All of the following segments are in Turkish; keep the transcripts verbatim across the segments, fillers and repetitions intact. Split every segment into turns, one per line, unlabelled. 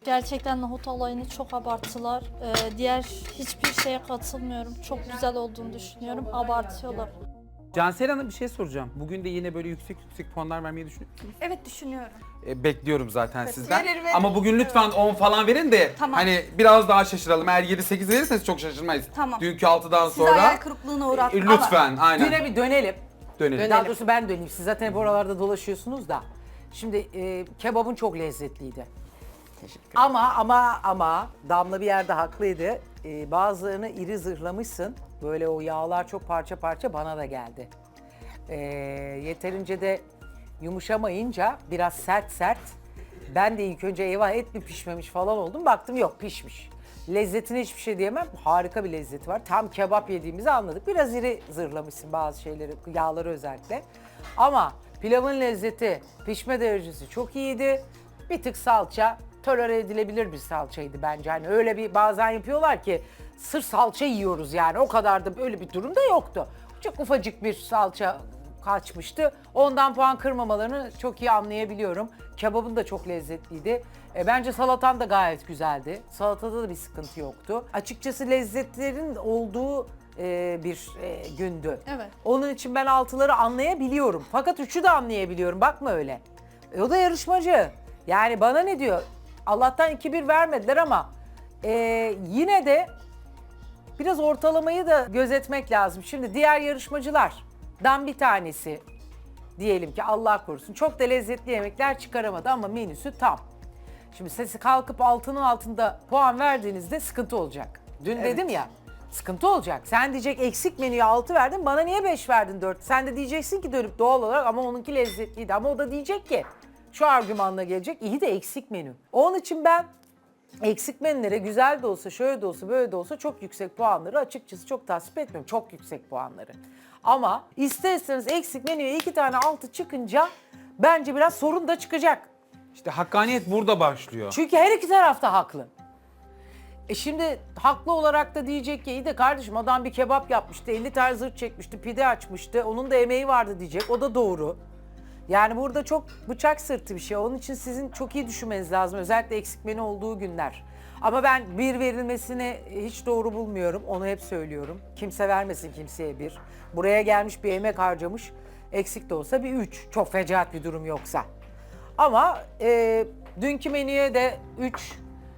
Gerçekten nohut olayını çok abarttılar. Ee, diğer hiçbir şeye katılmıyorum. Çok güzel olduğunu düşünüyorum. Abartıyorlar.
Cansel Hanım bir şey soracağım. Bugün de yine böyle yüksek yüksek puanlar vermeyi düşünüyor musunuz?
Evet düşünüyorum.
E, bekliyorum zaten sizden.
verir, verir.
Ama bugün lütfen on falan verin de
Tamam.
hani biraz daha şaşıralım. Eğer yedi sekiz verirseniz çok şaşırmayız.
Tamam.
Dünkü altıdan
Sizi
sonra
hayal kırıklığına uğrattım.
e, lütfen aynen
Düne bir dönelim.
dönelim.
Daha doğrusu ben döneyim. Siz zaten hep oralarda dolaşıyorsunuz da. Şimdi e, kebabın çok lezzetliydi. Ama ama ama Damla bir yerde haklıydı. E, bazılarını iri zırhlamışsın. Böyle o yağlar çok parça parça bana da geldi. E, yeterince de yumuşamayınca biraz sert sert. Ben de ilk önce eyvah et mi pişmemiş falan oldum. Baktım yok pişmiş. Lezzetine hiçbir şey diyemem. Harika bir lezzeti var. Tam kebap yediğimizi anladık. Biraz iri zırhlamışsın bazı şeyleri, yağları özellikle. Ama pilavın lezzeti, pişme derecesi çok iyiydi. Bir tık salça tolere edilebilir bir salçaydı bence. Hani öyle bir bazen yapıyorlar ki sırf salça yiyoruz yani. O kadar da böyle bir durum da yoktu. Çok ufacık bir salça kaçmıştı. Ondan puan kırmamalarını çok iyi anlayabiliyorum. Kebabın da çok lezzetliydi. E, bence salatan da gayet güzeldi. Salatada da bir sıkıntı yoktu. Açıkçası lezzetlerin olduğu e, bir e, gündü.
Evet.
Onun için ben altıları anlayabiliyorum. Fakat üçü de anlayabiliyorum. Bakma öyle. E, o da yarışmacı. Yani bana ne diyor? Allah'tan iki bir vermediler ama e, yine de biraz ortalamayı da gözetmek lazım. Şimdi diğer yarışmacılardan bir tanesi diyelim ki Allah korusun çok da lezzetli yemekler çıkaramadı ama menüsü tam. Şimdi sesi kalkıp altının altında puan verdiğinizde sıkıntı olacak. Dün dedim ya sıkıntı olacak. Sen diyecek eksik menüye altı verdin bana niye beş verdin dört? Sen de diyeceksin ki dönüp doğal olarak ama onunki lezzetliydi. Ama o da diyecek ki şu argümanla gelecek iyi de eksik menü. Onun için ben eksik menülere güzel de olsa, şöyle de olsa, böyle de olsa çok yüksek puanları açıkçası çok tasvip etmiyorum. Çok yüksek puanları. Ama isterseniz eksik menüye iki tane altı çıkınca bence biraz sorun da çıkacak.
İşte hakkaniyet burada başlıyor.
Çünkü her iki taraf da haklı. E şimdi haklı olarak da diyecek ki iyi de kardeşim adam bir kebap yapmıştı, elli tane zırt çekmişti, pide açmıştı, onun da emeği vardı diyecek. O da doğru. Yani burada çok bıçak sırtı bir şey. Onun için sizin çok iyi düşünmeniz lazım. Özellikle eksik menü olduğu günler. Ama ben bir verilmesini hiç doğru bulmuyorum. Onu hep söylüyorum. Kimse vermesin kimseye bir. Buraya gelmiş bir emek harcamış. Eksik de olsa bir üç. Çok fecaat bir durum yoksa. Ama e, dünkü menüye de üç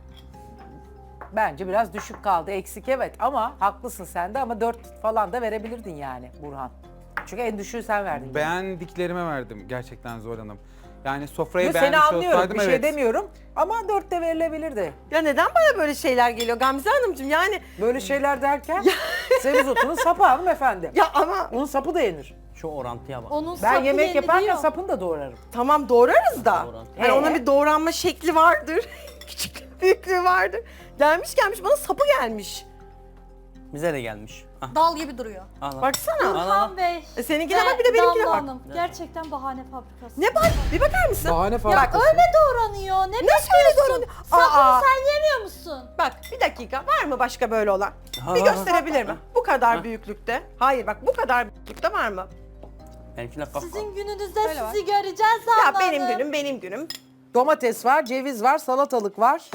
bence biraz düşük kaldı. Eksik evet ama haklısın sen de ama dört falan da verebilirdin yani Burhan. Çünkü en düşüğü sen verdin.
Beğendiklerime verdim gerçekten Zor Hanım. Yani sofrayı
Yo, seni
beğenmiş
anlıyorum
olsaydım
bir şey
evet.
demiyorum ama dört de verilebilirdi.
Ya neden bana böyle şeyler geliyor Gamze Hanımcığım yani
Böyle şeyler derken semizotunun sapı hanımefendi.
ya ama
Onun sapı da yenir.
Şu orantıya bak.
Onun
Ben
sapı
yemek yaparken
yeniliyor.
sapını da doğrarım.
tamam doğrarız da
Doğran.
hani
Ee?
onun bir doğranma şekli vardır. Küçük büyüklüğü vardır. Gelmiş gelmiş bana sapı gelmiş.
Bize de gelmiş. Ah,
Dal gibi duruyor.
al, al.
Baksana.
Al, al.
Burhan Bey
E seninkine
ve
bak bir de benimkine
Damla
bak.
Hanım. Gerçekten bahane fabrikası.
Ne bak bir bakar mısın?
Bahane
Ya
fabrikası.
öyle doğranıyor. Ne
Nasıl öyle doğranıyor?
Sapını
Aa.
sen yemiyor musun?
Bak bir dakika var mı başka böyle olan?
Ha,
Bir
ha, ha.
gösterebilir mi? Bu kadar büyüklükte. Hayır bak bu kadar büyüklükte var mı?
Benimkine kalk.
Sizin gününüzde
Öyle var.
sizi göreceğiz
Ya
Damla
benim
Hanım.
günüm benim günüm.
Domates var, ceviz var, salatalık var.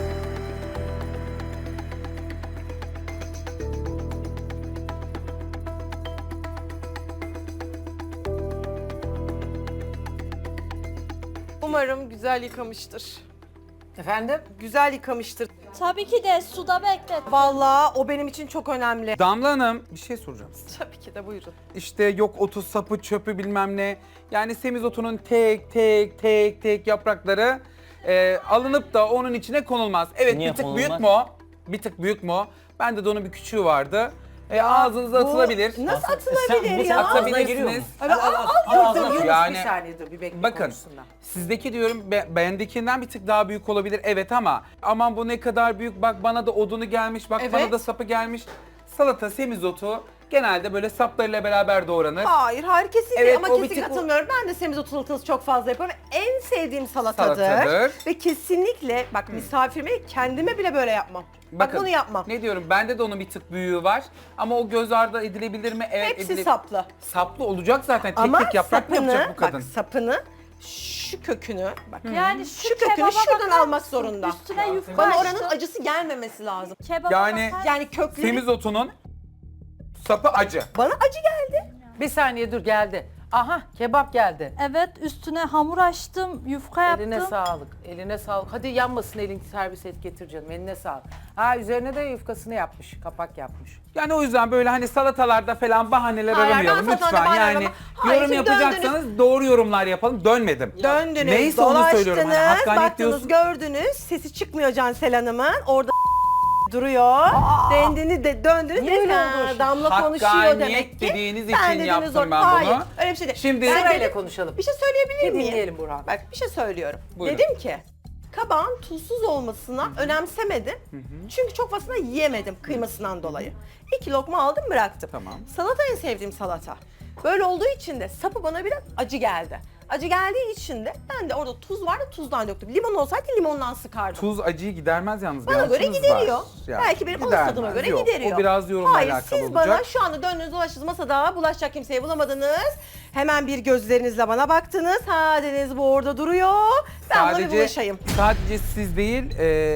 Umarım güzel yıkamıştır.
Efendim?
Güzel yıkamıştır.
Tabii ki de suda beklet.
Vallahi o benim için çok önemli.
Damla Hanım bir şey soracağım.
Tabii ki de buyurun.
İşte yok otu, sapı, çöpü bilmem ne. Yani semizotunun tek tek tek tek yaprakları e, alınıp da onun içine konulmaz. Evet
Niye
bir tık
konulmaz?
büyük mü o? Bir tık büyük mü o? Bende de onun bir küçüğü vardı. E, ağzınıza
Bu
atılabilir.
Nasıl
Sen-
atılabilir
bu
ya?
senin ağzına giriyor mu?
Atabilirsiniz.
Al, al, al,
al,
al,
al,
dur,
al.
Yunus,
Yani-
bir saniye dur, bir bekle
Bakın
konuşsunlar.
sizdeki diyorum be, bendekinden bir tık daha büyük olabilir evet ama aman bu ne kadar büyük bak bana da odunu gelmiş bak bana
Evet.
da sapı gelmiş. Salata, semizotu genelde böyle saplarıyla beraber doğranır.
Hayır, hayır kesinlikle
Evet,
ama
o bir
kesinlikle
tık o-
katılmıyorum. Ben de semizotu salatası çok fazla yapıyorum. En sevdiğim salatadır.
Salatadır.
Ve kesinlikle bak misafirime kendime bile böyle yapmam. Bak
Bakın,
bunu yapmam.
Ne diyorum bende de onun bir tık büyüğü var ama o göz ardı edilebilir mi? Evet
Hepsi
edile-
saplı.
Saplı olacak zaten tek
Ama
tek yaprak mı
sapını,
yapacak bu kadın?
bak sapını şu kökünü, bak
Yani şu,
şu kökünü
kebaba
şuradan
bakar
almak
mısın?
zorunda.
Üstüne yufka
Bana
açtım.
oranın acısı gelmemesi lazım.
Kebaba
Yani-
bakar
Yani kökleri
Semizotunun sapı acı.
bana acı geldi.
Bir saniye dur geldi. Aha kebap geldi.
Evet, üstüne hamur açtım, yufka yaptım.
Eline sağlık. Eline sağlık. Hadi yanmasın elin, servis et getir canım. Eline sağlık. Ha üzerine de yufkasını yapmış. Kapak yapmış.
Yani o yüzden böyle hani salatalarda falan bahaneler
Hayır,
aramayalım
ben salatalarda
lütfen.
bahane
Yani
aramam. Hayır,
yorum
şimdi
yapacaksanız doğru yorumlar yapalım. Dönmedim.
Döndünüz,
Neyse onu söylüyorum. Hani
dolaştınız,
hakkaniyet
baktınız,
diyorsun.
gördünüz. Sesi çıkmıyor Cansel Hanım'ın. Orada duruyor. Dendiniz de döndünüz.
Niye öyle
Ha,
oldu?
Damla konuşuyor
Hakkaniyet
demek ki.
dediğiniz
Ben
için
dediniz
yaptım
orada.
ben
Hayır,
bunu.
öyle bir şey değil.
Şimdi-
Ben
Sırayla
dedim-
konuşalım.
Bir şey söyleyebilir
Bir
miyim?
dinleyelim Burhan.
Bak bir şey söylüyorum.
Buyurun.
Dedim ki kabağın tuzsuz olmasına önemsemedim. Çünkü çok fazla yiyemedim kıymasından dolayı. İki lokma aldım bıraktım.
Tamam.
Salata en sevdiğim salata. Böyle olduğu için de sapı bana biraz acı geldi. Acı geldiği için de ben de orada tuz vardı tuzdan döktüm. Limon olsaydı limondan sıkardım.
Tuz acıyı gidermez yalnız. bir
Bana göre
altınız
gideriyor.
var. Yani
Belki benim ağız
gidermez.
tadıma göre
Yok,
gideriyor.
O biraz yorumla
Hayır,
alakalı
siz
olacak.
bana şu anda döndünüz dolaştınız masada bulaşacak kimseyi bulamadınız. Hemen bir gözlerinizle bana baktınız. Ha dediniz bu orada duruyor. Ben buna bir bulaşayım.
sadece siz değil,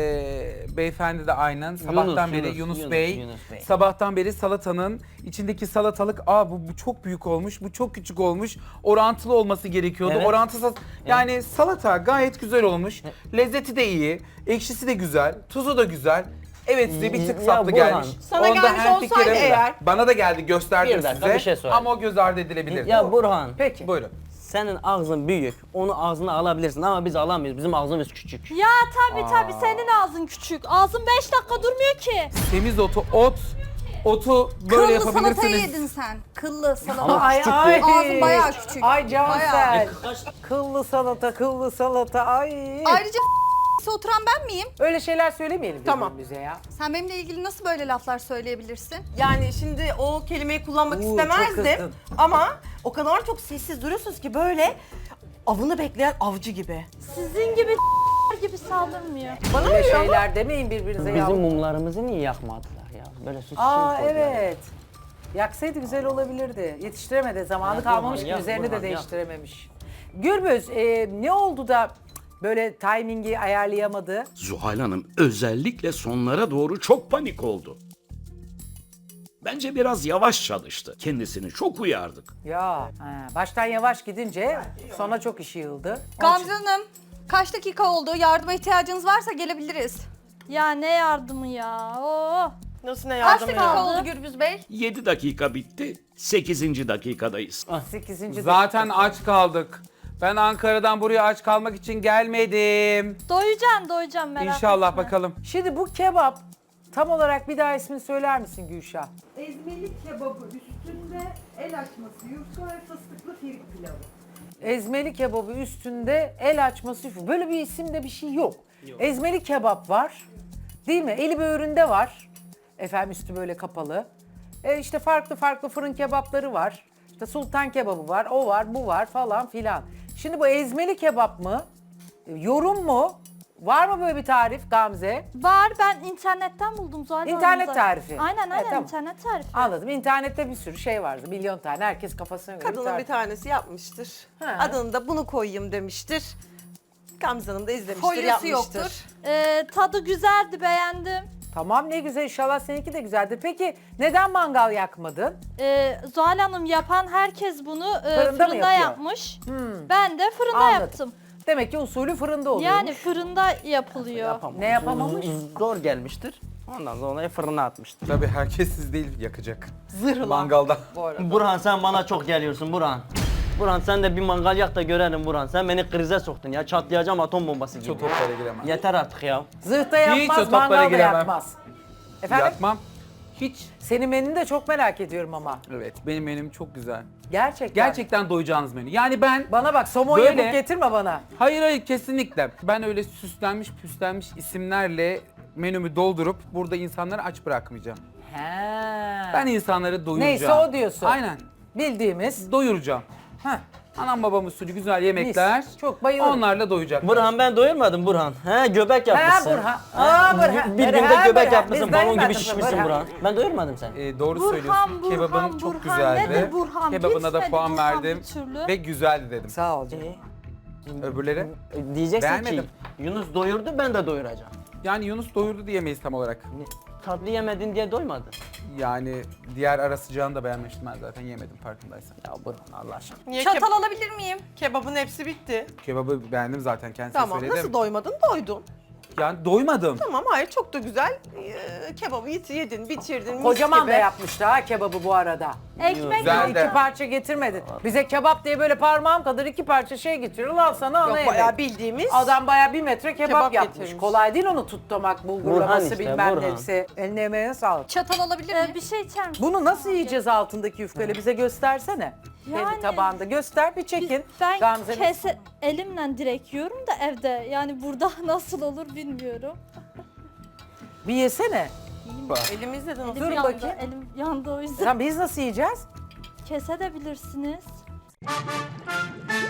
e, beyefendi de aynen. Sabahtan beri
Yunus,
Yunus,
Yunus,
Bey,
Yunus Bey.
sabahtan beri salatanın içindeki salatalık, aa bu, bu çok büyük olmuş, bu çok küçük olmuş, orantılı olması gerekiyordu.
Evet.
Orantısız, yani salata gayet güzel olmuş, lezzeti de iyi, ekşisi de güzel, tuzu da güzel. Evet size bir tık
Ya
saplı
Burhan,
gelmiş.
sana gelmiş
hemfikirim
olsaydı
de.
eğer-
Bana da geldi, gösterdim
Bir dakika,
size.
bir şey söyle.
Ama o göz ardı edilebilir.
Ya Burhan,
Peki.
Buyurun.
senin ağzın büyük. Onu ağzına alabilirsin ama biz alamıyoruz. Bizim ağzımız küçük.
Ya tabii tabii senin ağzın küçük. Ağzın beş dakika durmuyor ki.
Semizotu, ot, otu böyle
Kıllı salatayı
yapabilirsiniz.
yedin sen. Kıllı salata.
Ama
Ay
küçük
ay.
Ağzın bayağı küçük.
Ay Cansel.
Bayağı.
Kıllı salata, kıllı salata. Ay.
Ayrıca oturan ben miyim?
Öyle şeyler söylemeyelim
Tamam.
birbirimize ya.
Sen benimle ilgili nasıl böyle laflar söyleyebilirsin?
Yani şimdi o kelimeyi kullanmak
Oo, çok
istemezdim.
kızdın.
Ama o kadar çok sessiz duruyorsunuz ki böyle avını bekleyen avcı gibi.
Sizin gibi gibi saldırmıyor.
Bana
Böyle
öyle ama
şeyler demeyin birbirinize ya.
Bizim mumlarımızı niye yakmadılar ya? Böyle sus
Aa
sus koydular.
evet. Yaksaydı güzel olabilirdi. Yetiştiremedi. Zamanı
Ya
kalmamış
Burhan,
ki
ya
üzerini
Burhan,
de
ya.
değiştirememiş. Gürbüz e, ne oldu da böyle timingi ayarlayamadı?
Zuhal Hanım özellikle sonlara doğru çok panik oldu. Bence biraz yavaş çalıştı. Kendisini çok uyardık.
Ya ha, baştan yavaş gidince sonra çok işi yığıldı. Onun
Gamze
için-
Hanım, kaç dakika oldu? Yardıma ihtiyacınız varsa gelebiliriz.
Ya ne yardımı ya? Oo.
nasıl ne
Kaç
yardım
dakika
ya?
oldu Gürbüz Bey?
yedi dakika bitti. sekizinci dakikadayız.
sekizinci
Zaten
dakika.
aç kaldık. Ben Ankara'dan buraya aç kalmak için gelmedim.
Doyacağım doyacağım merak
İnşallah
etme.
bakalım.
Şimdi bu kebap tam olarak bir daha ismini söyler misin Gülşah?
Ezmeli kebabı üstünde el açması, yufka ve fıstıklı firik pilavı.
Ezmeli kebabı üstünde el açması. yufka. Böyle bir isimde bir şey yok. Ezmeli kebap var. Değil mi? Eli böğründe var. Efendim üstü böyle kapalı. E işte farklı farklı fırın kebapları var. İşte sultan kebabı var, o var, bu var falan filan. Şimdi bu ezmeli kebap mı? E, Yorum mu? Var mı böyle bir tarif Gamze?
Var ben internetten buldum zaten.
İnternet
zaten.
tarifi.
Aynen
Evet,
aynen
tamam.
internet tarifi.
Anladım. İnternette bir sürü şey vardı. Milyon tane. Herkes kafasına göre
Kadının bir
tarif.
tanesi yapmıştır.
Ha.
Adını da bunu koyayım demiştir. Gamze Hanım da izlemiştir,
Folyası
yapmıştır.
yoktur.
Ee, tadı güzeldi beğendim.
Tamam ne güzel inşallah seninki de güzeldir. Peki neden mangal yakmadın?
Ee, Zuhal Hanım yapan herkes bunu e,
Fırında mı
fırında,
yapıyor? Hmm.
yapmış. Ben de fırında
Anladım.
yaptım.
Demek ki usulü fırında oluyor.
Yani fırında yapılıyor.
Yapamamış.
Ne yapamamış?
Zor gelmiştir. Ondan sonra fırına atmıştır.
Tabii herkes siz değil yakacak.
Zırhla.
Mangalda.
Bu arada.
Burhan sen bana çok geliyorsun Burhan. Burhan sen de bir mangal yak da görelim Burhan. Sen beni krize soktun ya. Çatlayacağım atom bombası gibi.
Çok toplara giremem.
Yeter artık ya.
Zırhta
Hiç o
yapmaz,
toplara
mangalda
giremem.
yapmaz. Efendim?
Yapmam. Hiç.
Senin menünü de çok merak ediyorum ama.
Evet benim menüm çok güzel.
Gerçekten.
Gerçekten doyacağınız menü. Yani ben...
Bana bak somon
Böyle-
yapıp getirme bana.
Hayır hayır kesinlikle. Ben öyle süslenmiş püslenmiş isimlerle menümü doldurup burada insanları aç bırakmayacağım.
He.
Ben insanları doyuracağım.
Neyse o diyorsun.
Aynen.
Bildiğimiz.
Doyuracağım.
Heh.
Anam babam usulü güzel yemekler.
Mis. Çok bayılırım.
Onlarla doyacaklar.
Burhan ben doyurmadım Burhan. He göbek
Ha
yapmışsın.
Burhan. Aa Burhan.
Bir günde
Burhan,
göbek
Burhan.
yapmışsın.
Biz
Balon gibi
doymadık
şişmişsin Burhan. Ben doyurmadım seni.
Ee, doğru
Burhan,
söylüyorsun.
Burhan,
Kebabın çok
Burhan.
güzeldi.
Nedir Burhan?
Kebabına da
Bitmedi
puan
Burhan
verdim
bir türlü.
ve güzeldi dedim.
Sağ ol canım.
Öbürleri?
E, Diyeceksin
Beğenmedim.
ki Yunus doyurdu, ben de doyuracağım.
Yani Yunus doyurdu diyemeyiz tam olarak.
Tatlı yemedin diye doymadın.
Yani diğer ara sıcağını da beğenmiştim, ben zaten yemedim farkındaysan.
Ya Burhan Allah aşkına.
Niye
Çatal
keb-
alabilir miyim?
kebabın hepsi bitti.
Kebabı beğendim zaten, kendisine
Tamam.
söyledim.
Nasıl doymadın? Doydun.
Yani doymadım.
Tamam, hayır çok da güzel. Ee, kebabı yedin, yedin, bitirdin. mis
Kocaman
gibi.
da yapmıştı ha kebabı bu arada.
Ekmek
Güzel de.
İki parça getirmedin. Bize kebap diye böyle parmağım kadar iki parça şey getiriyor. Al sana ana
Yok,
yemek.
bayağı bildiğimiz.
Adam bayağı bir metre kebap,
Kebap
yapmış.
getirmiş.
Kolay değil onu tutlamak, bulgurlaması
Burhan işte,
bilmem
Burhan.
nesi. Eline emeğine sağlık.
Çatal alabilir
Ee,
miyim?
bir şey içer misin?
Bunu nasıl yiyeceğiz altındaki yufkayla? Bize göstersene. Kendi
Yani-
tabağında. Göster bir çekin.
Ben
Gamze'nin-
kese elimle direkt yiyorum da evde. Yani burada nasıl olur bilmiyorum.
Bir yesene.
Elimizde de nasıl?
Elim
Dur
yandı,
bakayım.
elim yandı o yüzden.
Sen biz nasıl yiyeceğiz?
Kesebilirsiniz.